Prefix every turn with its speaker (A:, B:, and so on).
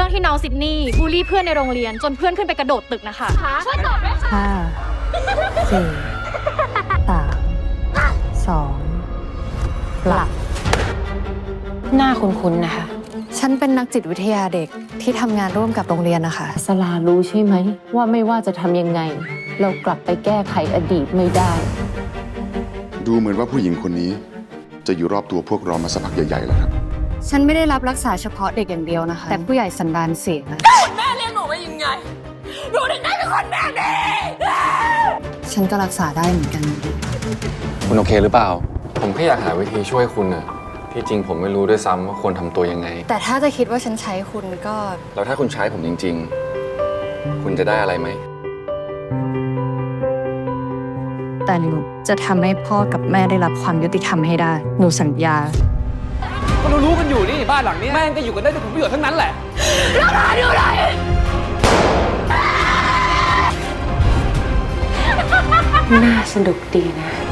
A: รื่องที่น้องซิดนีย์บูลลี่เพื่อนในโรงเรียนจนเพื่อนขึ้นไปกระโดดตึกนะคะช่วยตอบด้วยค่ะ
B: 5 4 3 2 หลับ
C: หน้าคุ้นๆนะคะ
B: ฉันเป็นนักจิตวิทยาเด็กที่ทำงานร่วมกับโรงเรียนนะคะ
C: สลารู้ใช่ไหมว่าไม่ว่าจะทำยังไง เรากลับไปแก้ไขอดีตไม่ได้
D: ดูเหมือนว่าผู้หญิงคนนี้ จะอยู่รอบตัวพวกเรามาสักพักใหญ่ๆแล้วครับ
B: ฉันไม่ได้รับรักษาเฉพาะเด็กอย่างเดียวนะคะ แต่ผู้ใหญ่สันดานเสีย
E: แม่เลี้ยงหนูไว้ยังไงหนูถึงได้เป็นคนแบบนี้
B: ฉันก็รักษาได้เหมือนกัน
F: คุณโอเคหรือเปล่า ผมแค่อยากหาวิธีช่วยคุณน่ะ ที่จริงผมไม่รู้ด้วยซ้ำว่าควรทำตัวยังไง
B: แต่ถ้าจะคิดว่าฉันใช้คุณก็
F: แล้วถ้าคุณใช้ผมจริง ๆ คุณจะได้อะไรไหม
B: แต่หนูจะทำให้พ่อกับแม่ได้รับความยุติธรรมให้ได้ หนูสัญญา
G: ก็รู้กันอยู่นี่บ้านหลังนี้แม่งก็อยู่กันได้ด้วยผลประโยชน์ทั้งนั้นแหละ
C: น่าสนุกดีนะ